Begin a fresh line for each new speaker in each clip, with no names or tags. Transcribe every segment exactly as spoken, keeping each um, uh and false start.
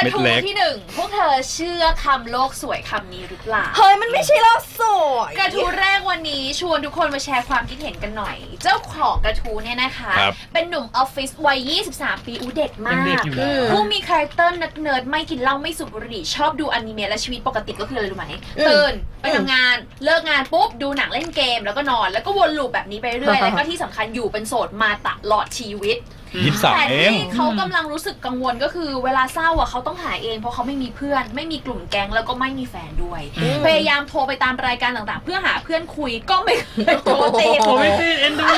ระทูที่หนึ่งพวกเธอเชื่อคำโลกสวยคำนี้หรือเปล่า
เฮ้ยมันไม่ใช่โลกสวย
กระทูแรกวันนี้ชวนทุกคนมาแชร์ความคิดเห็นกันหน่อยเจ้าของกระทูเนี่ยนะคะเป็นหนุ่มออฟฟิศวัยยี่สิบสามปีอูเด็กมากผู้มีคาแรคเตอร์นักเนิร์ดไม่กินเหล้าไม่สูบบุหรี่ชอบดูอนิเมะและชีวิตปกติก็คืออะไรรู้ไหมตื่นไปทำงานเลิกงานปุ๊บดูหนังเล่นเกมแล้วก็นอนแล้วก็วนลูปแบบนี้ไปเรื่อยแล้วก็ที่สำคัญอยู่เป็นโสดมาตลอดชีวิต
ยี่สิบสาม
แต่
เอง
ที่เขากำลังรู้สึกกังวลก็คือเวลาเศร้าอ่ะเขาต้องหาเองเพราะเขาไม่มีเพื่อนไม่มีกลุ่มแก๊งแล้วก็ไม่มีแฟนด้วยพยายามโทรไปตามรายการต่างๆเพื่อหาเพื่อนคุยก็ไม่เคยโทรติด
โทรไม่ติดเอ็นดู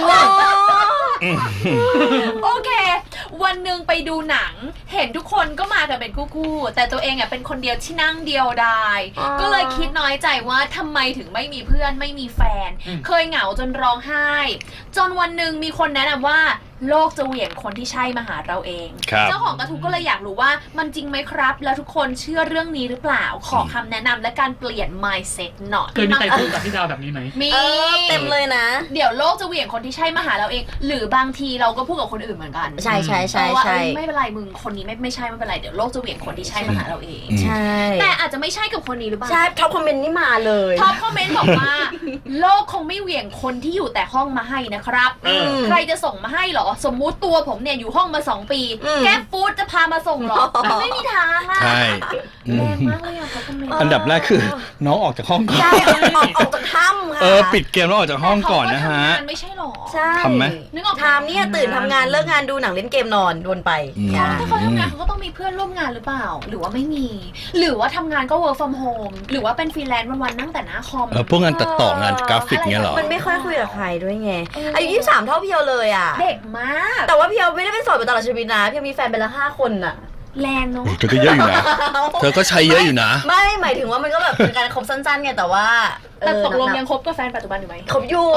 โอเควันหนึ่งไปดูหนังเห็นทุกคนก็มากันเป็นคู่ๆแต่ตัวเองอ่ะเป็นคนเดียวที่นั่งเดียวดายก็เลยคิดน้อยใจว่าทำไมถึงไม่มีเพื่อนไม่มีแฟนเคยเหงาจนร้องไห้จนวันหนึ่งมีคนแนะนำว่าโลกจะเหวี่ยงคนที่ใช่มาหาเราเองเจ้าของกระทู้ก็เลยอยากรู้ว่ามันจริงไหมครับแล้วทุกคนเชื่อเรื่องนี้หรือเปล่าขอคำแนะนำและการเปลี่ยน mindset หน่อย
เคยมีใครพูดกับพี่ดาวแบบนี้ไหม
มี
เต็มเลยนะ
เดี๋ยวโลกจะเหวี่ยงคนที่ใช่มาหาเราเองหรือบางทีเราก็พูดกับคนอื่นเหมือนกัน
ใช่ใช่ใช่ใช่
ไม่เป็นไรมึงคนนี้ไม่ไม่ใช่ไม่เป็นไรเดี๋ยวโลกจะเหวี่ยงคนที่ใช่มาหาเราเอง
ใช่
แต่อาจจะไม่ใช่กับคนนี้หรือเปล่า
ใช่ท็อปคอมเมนต์นี่มาเลย
ท็อปคอมเมนต์บอกว่าโลกคงไม่เหวี่ยงคนที่อยู่แต่ห้องมาให้นะครับใครจะส่งมาให้หรอสมมุติตัวผมเนี่ยอยู่ห้องมาสองปีแก๊ปฟู้ดจะพามาส่งหรอไม่มีทางอ่ะ
ใช่
แรงมากเลยอ่ะเขาคอมเมนต์
อันดับแรกคือน้องออกจากห้องก่อน
ใช่ออกออกจากถ้ำค่ะ
เออปิดเกมแล้วออกจากห้องก่อนนะฮะ
ไม่ใช่หรอ
ใช่
ทำไหม
นึกออก
ทำเนี่ยตื่นทำงานเลิกงานดูหนังเล่นเกมนอนวนไป
ถ้าเขาทำงานเขาก็ต้องมีเพื่อนร่วมงานหรือเปล่าหรือว่าไม่มีหรือว่าทำงานก็ work from home หรือว่าเป็นฟรีแลนซ์วันๆนั่งแต่หน้าคอม
เออพวกงานตัดต่องานกราฟิกเงี้ยหรอ
มันไม่ค่อยคุยกับใครด้วยไงอายุยี่สิบสามเท่าพี่เอเลยอ่ะ
เด็กมาก
แต่ว่าพี่เอไม่ได้เป็นโสดมาตลอดชีวิตนะพี่มีแฟนไปแล้วห้าคนน่ะ
แรงเนาะ
เธอก็เยอะอยู่นะเธอก็ใช้เยอะอยู่นะ
ไม่หมายถึงว่ามันก็แบบเป็นการคบสั้นๆไงแต่ว่า
แต่ตกลงยังคบกับแฟนปัจจุบันอยู่ไหม
คบอยู่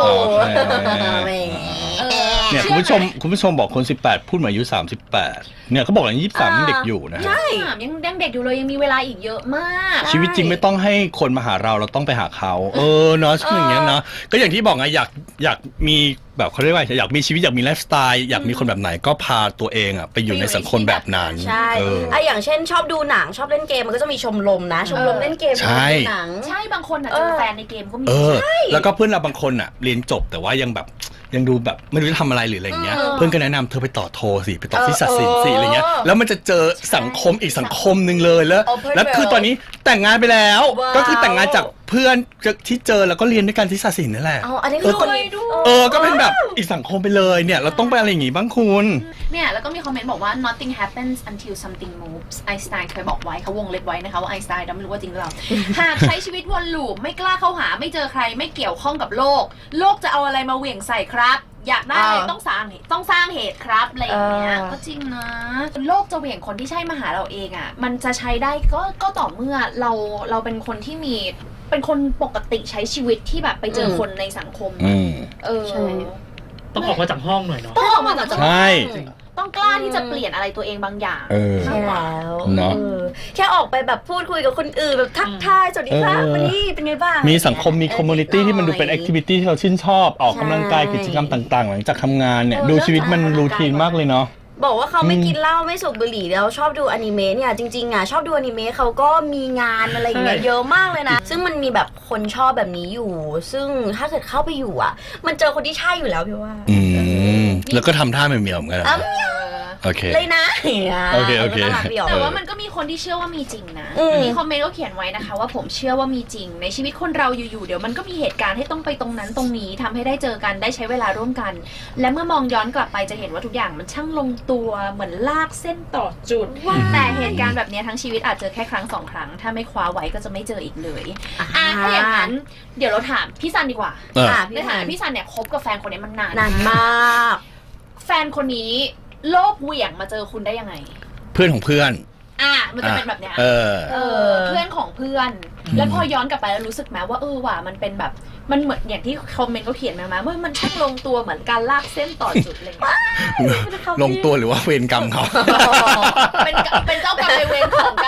เนี่ยคุณผู้ชมคุณผู้ชมบอกคนสิบแปดพูดมาอายุสามสิบแปดเนี่ยเขาบอกอย่างยี่สิบสามยังเด็กอยู่นะ
ใช่ยังยังเด็กอยู่เลยยังมีเวลาอีกเยอะมาก
ชีวิตจริงไม่ต้องให้คนมาหาเราเราต้องไปหาเขาเออเนาะช่วงอย่างเงี้ยเนาะก็อย่างที่บอกไงอยากอยากมีแบบเขาเรียกว่าอยากมีชีวิตอยากมีไลฟ์สไตล์อยากมีคนแบบไหนก็พาตัวเองอ่ะไปอยู่ในสังคมแบบนั้น
ใช่ไออย่างเช่นชอบดูหนังชอบเล่นเกมมันก็จะมีชมรมนะชมรมเล่นเกม
ใช่
หนังใช่บางคนอ่ะเจอแฟนในเกมก็มี
ใช่แล้วก็เพื่อนเราบางคนอ่ะเรียนจบแต่ว่ายังแบบยังดูแบบไม่รู้จะทำอะไรหรืออะไรเงี้ยเพื่อนก็แนะนำเธอไปต่อโทสิไปต่อที่ศาสตร์ศิลป์สิอะไรเงี้ยแล้วมันจะเจอสังคมอีกสังคมหนึ่งเลยแล้วแล้วคือตอนนี้แต่งงานไปแล้วก็คือแต่งงานจากเพื่อนที่เจอแล้วก็เรียนด้วยกันที่ศาสตร์ศิลป์นั่นแหละ
อ๋ออันนี้คือคน
เออก็เป็นแบบอีกสังคมไปเลยเนี่ยเราต้องไปอะไรอย่างงี้บ้างคุณ
เนี่ยแล้วก็มีคอมเมนต์บอกว่า nothing happens until something moves ไอน์สไตน์เคยบอกไว้เขาวงเล็บไว้นะคะว่าไอน์สไตน์เราไม่รู้ว่าจริงหรือเปล่าหากใช้ชีวิตวนลูปไม่กล้าเข้าหาไม่เจอใครไม่เกี่ยวข้องกับโลกโลกจะเอาอะไรมาเหวี่ยงใส่ครับอยากได้อะไรต้องสร้างต้องสร้างเหตุครับอะไรอย่างเงี้ยก็จริงนะโลกจะเหวี่ยงคนที่ใช่มาหาเราเองอ่ะมันจะใช้ได้ก็ก็ต่อเมื่อเราเราเป็นคนที่มีเป็นคนปกติใช้ชีวิตที่แบบไปเจอคนในสังคมเออ
ต้องออกมาจากห้องหน่อยเนาะ
ต้องออกมาจาก
ใช่
ต้องกล้าที่จะเปลี่ยนอะไรตัวเองบางอย่าง
ใช่แล้ว
เนาะ
แค่ออกไปแบบพูดคุยกับคนอื่นแบบทักทายสวัสดีค่ะวันนี้เป็นไงบ้าง
มีสังคมมีคอมมูนิตี้ที่มันดูเป็นแอคทิวิตี้ที่เราชื่นชอบออกกำลังกายกิจกรรมต่างๆหลังจากทำงานเนี่ยดูชีวิตมันรูทีนมากเลยเนาะ
บอกว่าเขาไม่กินเหล้าไม่สูบบุหรี่แล้วชอบดูอนิเมะเนี่ยจริงๆอ่ะชอบดูอนิเมะเขาก็มีงานอะไรอย่างเงี้ยเยอะมากเลยนะซึ่งมันมีแบบคนชอบแบบนี้อยู่ซึ่งถ้าเกิดเข้าไปอยู่อ่ะมันเจอคนที่ใช่อยู่แล้วพี่ว่า
อืมแล้วก็ทำท่าเหมียวๆเหมือนกันโอเค
เลยนะ
โอเคโอเค
แต่ว่ามันก็มีคนที่เชื่อว่ามีจริงนะมีคอมเมนต์ก็เขียนไว้นะคะว่าผมเชื่อว่ามีจริงในชีวิตคนเราอยู่ๆเดี๋ยวมันก็มีเหตุการณ์ให้ต้องไปตรงนั้นตรงนี้ทำให้ได้เจอกันได้ใช้เวลาร่วมกันและเมื่อมองย้อนกลับไปจะเห็นว่าทุกอย่างมันช่างลงตัวเหมือนลากเส้นต่อจุดแต่เหตุการณ์แบบนี้ทั้งชีวิตอาจเจอแค่ครั้งสองครั้งถ้าไม่คว้าไว้ก็จะไม่เจออีกเลยอ่ะถ้าอย่างนั้นเดี๋ยวเราถามพี่ซันดีกว่าในฐานะพี่ซันเนี่ยคบกับแฟนคนนี้มันนาน
นานมาก
แฟนคนนี้โลกเหวี่ยงมาเจอคุณได้ยังไง
เพื่อนของเพื่อน
อ่ะมันจะเป็นแบบเนี้ย
เออ
เออเพื่อนของเพื่อนแล้วพอย้อนกลับไปแล้วรู้สึกไหมว่าเออว่ะมันเป็นแบบมันเหมือนอย่างที่คอมเมนต์เขาเขียนมาว่ามันช่างลงตัวเหมือนการลากเส้นต่อจุดอะไรอย่างเงี้ย
ลงตัวหรือว่าเวรกรรมเขา
เป็นเป็นเจ้ากรรมนายเวรของกัน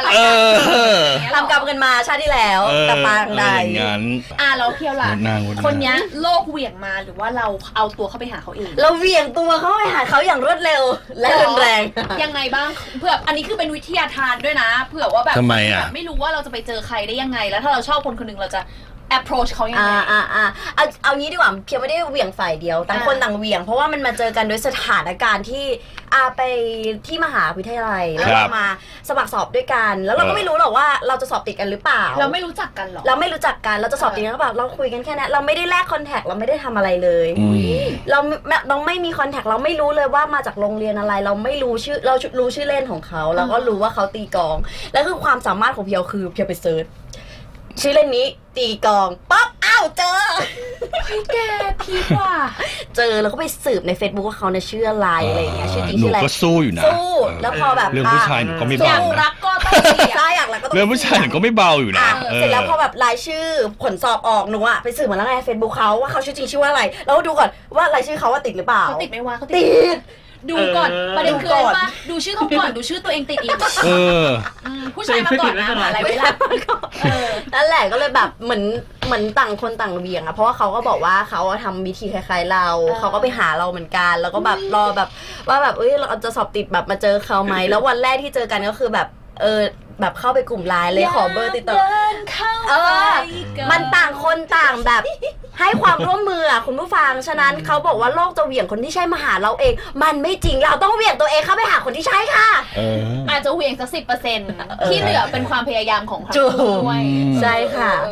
อะไร
เออ
ทำกรรมกันมาชาติที่แล้ว
เออ
แต่ปางใด
อย่างงั้น
อ่ะแล้วเพียวล่ะ
นางวุ่นวาย
คนเนี้ยโลกเหวี่ยงมาหรือว่าเราเอาตัวเข้าไปหาเขาเอง
เราเหวี่ยงตัวเข้าไปหาเขาอย่างรวดเร็วและรุนแรง
ยังไงบ้างเผื่ออันนี้คือเป็นวิทยาทานด้วยนะเผื่อว่าแบบ
ทำไมอ่ะ
แบบไม่รู้ว่าเราจะไปเจอใครได้ยังไง แล้วถ้าเราชอบคนคนหนึ่งเราจะ approach เขายัง
อ่า
ไง
อ่าอ่าเอาเอางี้ดีกว่าเพียวไม่ได้เหวี่ยงฝ่ายเดียวต่างคน
อ่า
ต่างเหวี่ยงเพราะว่ามันมาเจอกันโดยสถานการณ์ที่อาไปที่มหาวิทยาลัยแล้ว
ครั
เรา
บ
มาสมัครสอบด้วยกัน แล้วเราก็
เออ
ไม่รู้หรอกว่าเราจะสอบติดกันหรือเปล่า
เราไม่รู้จักกันหรอ
เราไม่รู้จักกันเราจะสอบติดกันหรือเปล่าเราคุยกันแค่นั้นเราไม่ได้แลกคอนแทคเราไม่ได้ทำอะไรเลย
อืม
เราไม่เราไม่มีคอนแทคเราไม่รู้เลยว่ามาจากโรงเรียนอะไร เราไม่รู้ชื่อเรารู้ชื่อเล่นของเขาเราก็รู้ว่าเขาตีกลองแล้วคือความสามารถของเพียวคือเพียวไปเซิร์ชชื่อเล่นนี้ตีกลองปั๊บอ้าวเจอ
เฮ้ยแกพีกว่า
เจอแล้วก็ไปสืบใน Facebook ว่าเขาเนี่ยชื่ออะไรอะไรอย่างเงี้ยชื่อจริง
หนู
ชื่ออะไร
ก็สู้อยู่นะ
สู้
เออ
แล้วพอแบบ
เรื่องผู้ชายหนูก็ไม่
อ
เบา
ยาก
นะ
รักก็ต้องเสีย
ใช่อยากแล้วก็ต้อง
เรื่องผู้ชายหนูก็ไม่เบาอยู่นะ
อ่ะ
ออ
เสร็จแล้วพอแบบรายชื่อผลสอบออกหนูอะไปสืบมาแล้วไง Facebook เขาว่าเขาชื่อจริงชื่อว่าอะไรแล้วก็ดูก่อนว่ารายชื่อเขาว่าติดหรือเปล่า
เขาติดไหมวะเขา
ติ
ด
ด
ดูก่อน
เออ
ประเด็นคือ
ดู
อะไร
ก่อน
ปะดูชื่อเขาก่อนดูชื่อตัวเองติดอีก
เออ
อืมผู้ชายมาก่อนนะหาอะไรไม่ได้เออ
นั่นแหละก็เลยแบบเหมือนเหมือนต่างคนต่างเบี่ยงอะเพราะว่าเขาก็บอกว่าเขาอะทำวิธีคล้ายๆเรา
เออ
เขาก็ไปหาเราเหมือนกัน แล้วก็แบบรอแบบว่าแบบเอ้ยเราจะสอบติดแบบมาเจอเขาไหมแล้ววันแรกที่เจอกันก็คือแบบเออแบบเข้าไปกลุ่มไลน์เลยขอเบอร์ติดต่อ
เดินเข้า
เอ
ไป
อ มันต่างคนต่างแบบให้ความร่วมมืออะคุณผู้ฟัง ฉะนั้นเขาบอกว่าโลกจะเหวี่ยงคนที่ใช่มาหาเราเอง มันไม่จริง เราต้องเหวี่ยงตัวเองเข้าไปหาคนที่ใช่ค่ะ
เออ
อาจจะเหวี่ยงสักสิบเปอร์เซ็นต์ที่เหลือเป็นความพยายามของทั้ง
ถูก
คู่ด้วย
อืม
ใช่ค่ะ